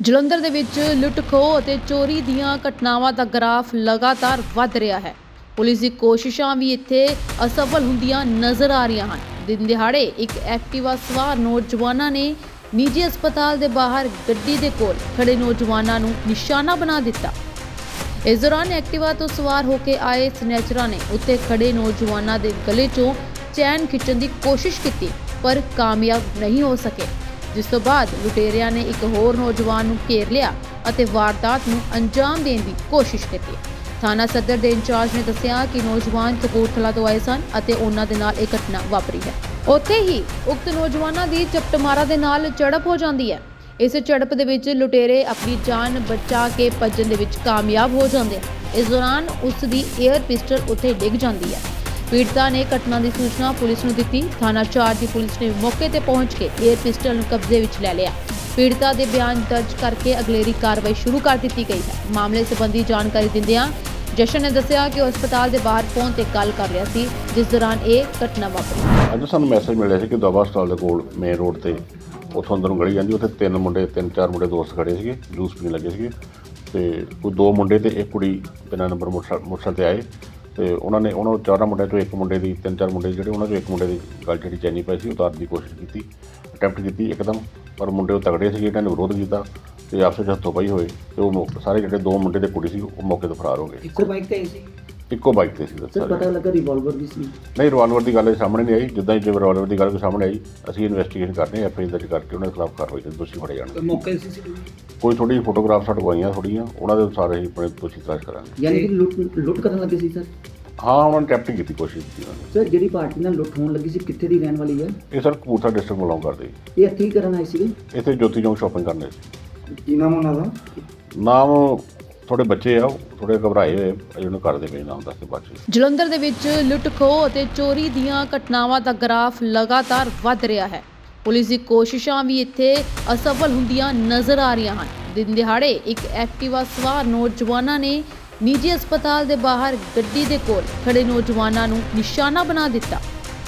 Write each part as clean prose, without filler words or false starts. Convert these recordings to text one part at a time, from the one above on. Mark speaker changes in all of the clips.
Speaker 1: ਜਲੰਧਰ ਦੇ ਵਿੱਚ ਲੁੱਟ ਖੋਹ ਅਤੇ ਚੋਰੀ ਦੀਆਂ ਘਟਨਾਵਾਂ ਦਾ ਗ੍ਰਾਫ ਲਗਾਤਾਰ ਵੱਧ ਰਿਹਾ ਹੈ। ਪੁਲਿਸ ਦੀ ਕੋਸ਼ਿਸ਼ਾਂ ਵੀ ਇੱਥੇ ਅਸਫਲ ਹੁੰਦੀਆਂ ਨਜ਼ਰ ਆ ਰਹੀਆਂ ਹਨ। ਦਿਨ ਦਿਹਾੜੇ ਇੱਕ ਐਕਟਿਵਾ ਸਵਾਰ ਨੌਜਵਾਨਾਂ ਨੇ ਨਿੱਜੀ ਹਸਪਤਾਲ ਦੇ ਬਾਹਰ ਗੱਡੀ ਦੇ ਕੋਲ ਖੜੇ ਨੌਜਵਾਨਾਂ ਨੂੰ ਨਿਸ਼ਾਨਾ ਬਣਾ ਦਿੱਤਾ। ਇਸ ਦੌਰਾਨ ਐਕਟਿਵਾ ਤੋਂ ਸਵਾਰ ਹੋ ਕੇ ਆਏ ਸਨੈਚਰਾਂ ਨੇ ਉੱਥੇ ਖੜੇ ਨੌਜਵਾਨਾਂ ਦੇ ਗਲੇ 'ਚੋਂ ਚੈਨ ਖਿੱਚਣ ਦੀ ਕੋਸ਼ਿਸ਼ ਕੀਤੀ, ਪਰ ਕਾਮਯਾਬ ਨਹੀਂ ਹੋ ਸਕੇ। ਜਿਸ ਤੋਂ ਬਾਅਦ ਲੁਟੇਰਿਆਂ ਨੇ ਇੱਕ ਹੋਰ ਨੌਜਵਾਨ ਨੂੰ ਘੇਰ ਲਿਆ ਅਤੇ ਵਾਰਦਾਤ ਨੂੰ ਅੰਜਾਮ ਦੇਣ ਦੀ ਕੋਸ਼ਿਸ਼ ਕੀਤੀ। ਥਾਣਾ ਸਦਰ ਦੇ ਇੰਚਾਰਜ ਨੇ ਦੱਸਿਆ ਕਿ ਨੌਜਵਾਨ ਕਪੂਰਥਲਾ ਤੋਂ ਆਏ ਸਨ ਅਤੇ ਉਹਨਾਂ ਦੇ ਨਾਲ ਇਹ ਘਟਨਾ ਵਾਪਰੀ ਹੈ। ਉੱਥੇ ਹੀ ਉਕਤ ਨੌਜਵਾਨਾਂ ਦੀ ਚਪਟਮਾਰਾ ਦੇ ਨਾਲ ਝੜਪ ਹੋ ਜਾਂਦੀ ਹੈ। ਇਸ ਝੜਪ ਦੇ ਵਿੱਚ ਲੁਟੇਰੇ ਆਪਣੀ ਜਾਨ ਬਚਾ ਕੇ ਭੱਜਣ ਦੇ ਵਿੱਚ ਕਾਮਯਾਬ ਹੋ ਜਾਂਦੇ ਹਨ। ਇਸ ਦੌਰਾਨ ਉਸ ਦੀ 에ਅਰ ਪਿਸਟਲ ਉੱਥੇ ਡਿੱਗ ਜਾਂਦੀ ਹੈ। ਪੀੜਤਾ ਨੇ ਘਟਨਾ ਦੀ ਸੂਚਨਾ ਪੁਲਿਸ ਨੂੰ ਦਿੱਤੀ। ਥਾਣਾ ਚਾਰ ਦੀ ਪੁਲਿਸ ਨੇ ਮੌਕੇ ਤੇ ਪਹੁੰਚ ਕੇ 에ਅਰ ਪਿਸਟਲ ਨੂੰ ਕਬਜ਼ੇ ਵਿੱਚ ਲੈ ਲਿਆ। ਪੀੜਤਾ ਦੇ ਬਿਆਨ ਦਰਜ ਕਰਕੇ ਅਗਲੇਰੀ ਕਾਰਵਾਈ ਸ਼ੁਰੂ ਕਰ ਦਿੱਤੀ ਗਈ ਹੈ। ਮਾਮਲੇ ਸੰਬੰਧੀ ਜਾਣਕਾਰੀ ਦਿੰਦਿਆਂ ਜਸ਼ਨ ਨੇ ਦੱਸਿਆ ਕਿ ਉਹ ਹਸਪਤਾਲ ਦੇ ਬਾਹਰ ਫੋਨ ਤੇ ਗੱਲ ਕਰ ਰਿਹਾ ਸੀ, ਜਿਸ ਦੌਰਾਨ ਇਹ ਘਟਨਾ ਵਾਪਰੀ।
Speaker 2: ਅੱਜ ਸਾਨੂੰ ਮੈਸੇਜ ਮਿਲਿਆ ਸੀ ਕਿ ਦਵਾ ਹਸਪਤਾਲ ਦੇ ਕੋਲ ਮੇਨ ਰੋਡ ਤੇ ਉੱਥੋਂ ਅੰਦਰ ਨੂੰ ਗਲੀ ਜਾਂਦੀ, ਉੱਥੇ ਤਿੰਨ ਚਾਰ ਮੁੰਡੇ ਦੋਸਤ ਖੜੇ ਸੀਗੇ, ਜੂਸ ਪੀਣ ਲੱਗੇ ਸੀਗੇ ਤੇ ਕੋਈ ਦੋ ਮੁੰਡੇ ਤੇ ਇੱਕ ਕੁੜੀ ਬਿਨਾਂ ਨੰਬਰ ਮੋਟਰਸਾਈਕਲ ਤੇ ਆਏ ਤੇ ਉਹਨਾਂ ਚਾਰਾਂ ਮੁੰਡਿਆਂ ਚੋਂ ਇੱਕ ਮੁੰਡੇ ਦੀ ਤਿੰਨ ਚਾਰ ਮੁੰਡੇ ਜਿਹੜੇ ਉਹਨਾਂ ਚੋਂ ਇੱਕ ਮੁੰਡੇ ਦੀ ਗੱਲ ਜਿਹੜੀ ਚੈਨੀ ਪਈ ਸੀ ਉਤਾਰਨ ਦੀ ਕੋਸ਼ਿਸ਼ ਕੀਤੀ, ਅਟੈਂਪਟ ਕੀਤੀ ਇੱਕਦਮ, ਪਰ ਮੁੰਡੇ ਉਹ ਤਗੜੇ ਸੀ, ਇਹਨਾਂ ਨੇ ਵਿਰੋਧ ਕੀਤਾ ਤੇ ਆਪਸ ਵਿੱਚ ਹੱਥੋਂ ਪਾਈ ਹੋਏ ਤੇ ਉਹ ਸਾਰੇ ਜਿਹੜੇ ਦੋ ਮੁੰਡੇ ਤੇ ਕੁੜੀ ਸੀ ਉਹ ਮੌਕੇ ਤੋਂ ਫਰਾਰ ਹੋ ਗਏ।
Speaker 3: ਇੱਕੋ ਬਾਈਕ ਤੇ ਸੀ?
Speaker 2: ਇੱਕੋ ਬਾਈਕ ਤੇ ਸੀ।
Speaker 3: ਸਰ ਪਤਾ ਲੱਗਾ ਰਿਵਾਲਵਰ ਵੀ ਸੀ?
Speaker 2: ਨਹੀਂ, ਰਿਵਾਲਵਰ ਦੀ ਗੱਲ ਸਾਹਮਣੇ ਨਹੀਂ ਆਈ। ਜਿੱਦਾਂ ਹੀ ਰਿਵਾਲਵਰ ਦੀ ਗੱਲ ਸਾਹਮਣੇ ਆਈ ਅਸੀਂ ਇਨਵੈਸਟੀਗੇਸ਼ਨ ਕਰਦੇ ਹਾਂ, FIR ਦਰਜ ਕਰਕੇ ਉਹਨਾਂ ਦੇ ਖਿਲਾਫ ਕਾਰਵਾਈ ਤੇ ਦੋਸ਼ੀ ਫੜੇ ਜਾਣਗੇ।
Speaker 3: ਮੌਕੇ ਦੀ CCTV
Speaker 2: ਕੋਈ ਥੋੜੀ ਫੋਟੋਗ੍ਰਾਫ ਸਾਡੇ ਕੋਲ ਆਈਆਂ ਥੋੜੀਆਂ, ਉਹਨਾਂ ਦੇ ਅਨੁਸਾਰ ਅਸੀਂ ਆਪਣੇ ਦੋਸ਼ੀ ਤਲਾਸ਼ ਕਰਾਂਗੇ।
Speaker 3: ਯਾਨੀ ਕਿ ਲੁੱਟ ਕਰਨ ਲੱਗੇ ਸੀ ਸਰ?
Speaker 2: ਹਾਂ, ਉਹਨਾਂ ਨੇ ਟੈਪਟਿੰਗ ਕੀਤੀ, ਕੋਸ਼ਿਸ਼ ਕੀਤੀ ਉਹਨਾਂ ਨੇ।
Speaker 3: ਸਰ ਜਿਹੜੀ ਪਾਰਟੀ ਨਾਲ ਲੁੱਟ ਹੋਣ ਲੱਗੀ ਸੀ ਕਿੱਥੇ ਦੀ ਰਹਿਣ ਵਾਲੀ ਹੈ?
Speaker 2: ਇਹ ਸਰ ਕਪੂਰਥਲਾ ਡਿਸਟ੍ਰਿਕਟ ਬਿਲੋਂਗ ਕਰਦੇ।
Speaker 3: ਇਹ ਇੱਥੇ ਹੀ ਕਰਨ ਆਏ ਸੀਗੇ?
Speaker 2: ਇੱਥੇ ਜੋਤੀ ਚੌਂਕ ਸ਼ਾਪਿੰਗ ਕਰਨੇ ਸੀ।
Speaker 3: ਕੀ ਨਾਮ ਉਹਨਾਂ ਦਾ?
Speaker 2: ਨਾਮ ਥੋੜੇ ਬੱਚੇ ਆ, ਥੋੜੇ ਘਬਰਾਏ ਹੋਏ ਜਿਹਨੂੰ ਕਰਦੇ ਪਏ, ਨਾਮ ਦੱਸ ਕੇ ਬਾਅਦ ਚ।
Speaker 1: ਜਲੰਧਰ ਦੇ ਵਿੱਚ ਲੁੱਟ ਖੋਹ ਅਤੇ ਚੋਰੀ ਦੀਆਂ ਘਟਨਾਵਾਂ ਦਾ ਗ੍ਰਾਫ ਲਗਾਤਾਰ ਵੱਧ ਰਿਹਾ ਹੈ। ਪੁਲਿਸ ਦੀ ਕੋਸ਼ਿਸ਼ਾਂ ਵੀ ਇੱਥੇ ਅਸਫਲ ਹੁੰਦੀਆਂ ਨਜ਼ਰ ਆ ਰਹੀਆਂ ਹਨ। ਦਿਨ ਦਿਹਾੜੇ ਇੱਕ ਐਕਟਿਵਾ ਸਵਾਰ ਨੌਜਵਾਨਾਂ ਨੇ ਨਿੱਜੀ ਹਸਪਤਾਲ ਦੇ ਬਾਹਰ ਗੱਡੀ ਦੇ ਕੋਲ ਖੜੇ ਨੌਜਵਾਨਾਂ ਨੂੰ ਨਿਸ਼ਾਨਾ ਬਣਾ ਦਿੱਤਾ।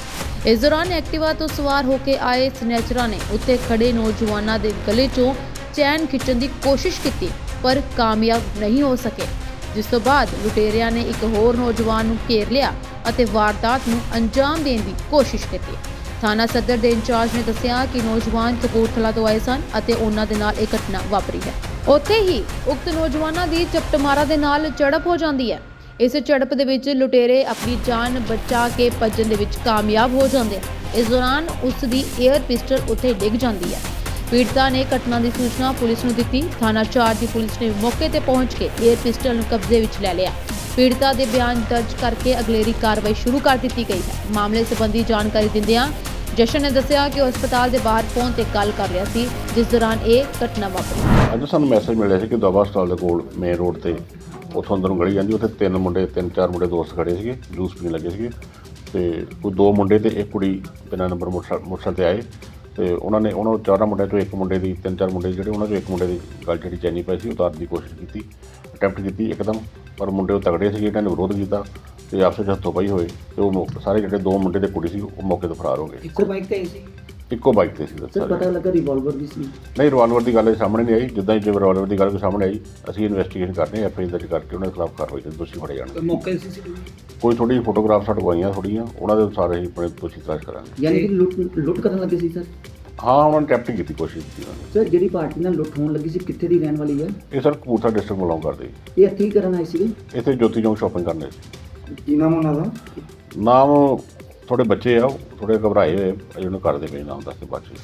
Speaker 1: ਇਸ ਦੌਰਾਨ ਐਕਟਿਵਾ ਤੋਂ ਸਵਾਰ ਹੋ ਕੇ ਆਏ ਸਨੈਚਰਾਂ ਨੇ ਉੱਥੇ ਖੜੇ ਨੌਜਵਾਨਾਂ ਦੇ ਗਲੇ 'ਚੋਂ ਚੈਨ ਖਿੱਚਣ ਦੀ ਕੋਸ਼ਿਸ਼ ਕੀਤੀ, ਪਰ ਕਾਮਯਾਬ ਨਹੀਂ ਹੋ ਸਕੇ। ਜਿਸ ਤੋਂ ਬਾਅਦ ਲੁਟੇਰਿਆਂ ਨੇ ਇੱਕ ਹੋਰ ਨੌਜਵਾਨ ਨੂੰ ਘੇਰ ਲਿਆ ਅਤੇ ਵਾਰਦਾਤ ਨੂੰ ਅੰਜਾਮ ਦੇਣ ਦੀ ਕੋਸ਼ਿਸ਼ ਕੀਤੀ। ਥਾਣਾ ਸਦਰ ਦੇ ਇੰਚਾਰਜ ਨੇ ਦੱਸਿਆ ਕਿ ਨੌਜਵਾਨ ਕਪੂਰਥਲਾ ਤੋਂ ਆਏ ਸਨ ਅਤੇ ਉਹਨਾਂ ਦੇ ਨਾਲ ਇਹ ਘਟਨਾ ਵਾਪਰੀ ਹੈ। ਉੱਥੇ ਹੀ ਉਕਤ ਨੌਜਵਾਨਾਂ ਦੀ ਚਪਟਮਾਰਾ ਦੇ ਨਾਲ ਝੜਪ ਹੋ ਜਾਂਦੀ ਹੈ। ਇਸ ਝੜਪ ਦੇ ਵਿੱਚ ਲੁਟੇਰੇ ਆਪਣੀ ਜਾਨ ਬਚਾ ਕੇ ਭੱਜਣ ਦੇ ਵਿੱਚ ਕਾਮਯਾਬ ਹੋ ਜਾਂਦੇ ਹਨ। ਇਸ ਦੌਰਾਨ ਉਸ ਦੀ 에ਅਰ ਪਿਸਟਲ ਉੱਥੇ ਡਿੱਗ ਜਾਂਦੀ ਹੈ। ਪੀੜਤਾ ਨੇ ਘਟਨਾ ਦੀ ਸੂਚਨਾ ਪੁਲਿਸ ਨੂੰ ਦਿੱਤੀ। ਥਾਣਾ ਚਾਰ ਦੀ ਪੁਲਿਸ ਨੇ ਮੌਕੇ ਤੇ ਪਹੁੰਚ ਕੇ 에ਅਰ ਪਿਸਟਲ ਨੂੰ ਕਬਜ਼ੇ ਵਿੱਚ ਲੈ ਲਿਆ। ਪੀੜਤਾ ਦੇ ਬਿਆਨ ਦਰਜ ਕਰਕੇ ਅਗਲੇਰੀ ਕਾਰਵਾਈ ਸ਼ੁਰੂ ਕਰ ਦਿੱਤੀ ਗਈ ਹੈ। ਮਾਮਲੇ ਸੰਬੰਧੀ ਜਾਣਕਾਰੀ ਦਿੰਦਿਆਂ ਜਸ਼ਨ ਨੇ ਦੱਸਿਆ ਕਿ ਉਹ ਹਸਪਤਾਲ ਦੇ ਬਾਹਰ ਫੋਨ ਤੇ ਗੱਲ ਕਰ ਰਿਹਾ ਸੀ, ਜਿਸ ਦੌਰਾਨ ਇਹ ਘਟਨਾ ਵਾਪਰੀ।
Speaker 2: ਅੱਜ ਸਾਨੂੰ ਮੈਸੇਜ ਮਿਲਿਆ ਸੀ ਕਿ ਦਵਾ ਹਸਪਤਾਲ ਦੇ ਕੋਲ ਮੇਨ ਰੋਡ ਤੇ ਉੱਥੋਂ ਅੰਦਰ ਨੂੰ ਗਲੀ ਜਾਂਦੀ, ਉੱਥੇ ਤਿੰਨ ਚਾਰ ਮੁੰਡੇ ਦੋਸਤ ਖੜੇ ਸੀਗੇ, ਜੂਸ ਪੀਣ ਲੱਗੇ ਸੀਗੇ ਤੇ ਕੋਈ ਦੋ ਮੁੰਡੇ ਤੇ ਇੱਕ ਕੁੜੀ ਬਿਨਾਂ ਨੰਬਰ ਮੋਟਰਸਾਈਕਲ ਤੇ ਆਏ ਤੇ ਉਹਨਾਂ ਚਾਰਾਂ ਮੁੰਡਿਆਂ ਚੋਂ ਇੱਕ ਮੁੰਡੇ ਦੀ ਤਿੰਨ ਚਾਰ ਮੁੰਡੇ ਜਿਹੜੇ ਉਹਨਾਂ ਚੋਂ ਇੱਕ ਮੁੰਡੇ ਦੀ ਗੱਲ ਜਿਹੜੀ ਚੈਨੀ ਪਈ ਸੀ ਉਤਾਰਨ ਦੀ ਕੋਸ਼ਿਸ਼ ਕੀਤੀ, ਅਟੈਂਪਟ ਕੀਤੀ ਇੱਕਦਮ, ਪਰ ਮੁੰਡੇ ਉਹ ਤਗੜੇ ਸੀ, ਇਹਨਾਂ ਨੇ ਵਿਰੋਧ ਕੀਤਾ ਤੇ ਆਪਸ ਵਿੱਚ ਹੱਥੋਂ ਪਾਈ ਹੋਏ ਤੇ ਉਹ ਸਾਰੇ ਜਿਹੜੇ ਦੋ ਮੁੰਡੇ ਤੇ ਕੁੜੀ ਸੀ ਉਹ ਮੌਕੇ ਤੋਂ ਫਰਾਰ ਹੋ ਗਏ।
Speaker 3: ਇੱਕੋ ਬਾਈਕ ਤੇ ਸੀ?
Speaker 2: ਇੱਕੋ ਬਾਈਕ ਤੇ ਸੀ।
Speaker 3: ਸਰ ਪਤਾ ਲੱਗਾ ਰਿਵਾਲਵਰ ਵੀ ਸੀ?
Speaker 2: ਨਹੀਂ, ਰਿਵਾਲਵਰ ਦੀ ਗੱਲ ਸਾਹਮਣੇ ਨਹੀਂ ਆਈ। ਜਿੱਦਾਂ ਹੀ ਰਿਵਾਲਵਰ ਦੀ ਗੱਲ ਸਾਹਮਣੇ ਆਈ ਅਸੀਂ ਇਨਵੈਸਟੀਗੇਸ਼ਨ ਕਰਦੇ ਹਾਂ, FIR ਦਰਜ ਕਰਕੇ ਉਹਨਾਂ ਦੇ ਖਿਲਾਫ ਕਾਰਵਾਈ ਤੇ ਦੋਸ਼ੀ ਫੜੇ ਜਾਣਗੇ।
Speaker 3: ਮੌਕੇ ਦੀ CCTV
Speaker 2: ਕੋਈ ਥੋੜੀ ਫੋਟੋਗ੍ਰਾਫ ਸਾਡੇ ਕੋਲ ਆਈਆਂ ਥੋੜੀਆਂ, ਉਹਨਾਂ ਦੇ ਅਨੁਸਾਰ ਅਸੀਂ ਆਪਣੇ ਦੋਸ਼ੀ ਤਲਾਸ਼ ਕਰਾਂਗੇ।
Speaker 3: ਯਾਨੀ ਕਿ ਲੁੱਟ ਕਰਨ ਲੱਗੇ ਸੀ ਸਰ?
Speaker 2: ਹਾਂ, ਉਹਨਾਂ ਨੇ ਟੈਪਟਿੰਗ ਕੀਤੀ, ਕੋਸ਼ਿਸ਼ ਕੀਤੀ ਉਹਨਾਂ ਨੇ।
Speaker 3: ਸਰ ਜਿਹੜੀ ਪਾਰਟੀ ਨਾਲ ਲੁੱਟ ਹੋਣ ਲੱਗੀ ਸੀ ਕਿੱਥੇ ਦੀ ਰਹਿਣ ਵਾਲੀ ਹੈ?
Speaker 2: ਇਹ ਸਰ ਕਪੂਰਥਲਾ ਡਿਸਟ੍ਰਿਕਟ ਬਿਲੋਂਗ ਕਰਦੇ।
Speaker 3: ਇਹ ਇੱਥੇ ਹੀ ਕਰਨ ਆਏ ਸੀਗੇ?
Speaker 2: ਇੱਥੇ ਜੋਤੀ ਚੌਂਕ ਸ਼ਾਪਿੰਗ ਕਰਨੇ ਸੀ।
Speaker 3: ਕੀ ਨਾਮ ਉਹਨਾਂ ਦਾ?
Speaker 2: ਨਾਮ ਥੋੜੇ ਬੱਚੇ ਆ, ਥੋੜੇ ਘਬਰਾਏ ਹੋਏ ਜਿਹਨੂੰ ਕਰਦੇ ਪਏ, ਨਾਮ ਦੱਸ ਕੇ ਬਾਅਦ ਚ।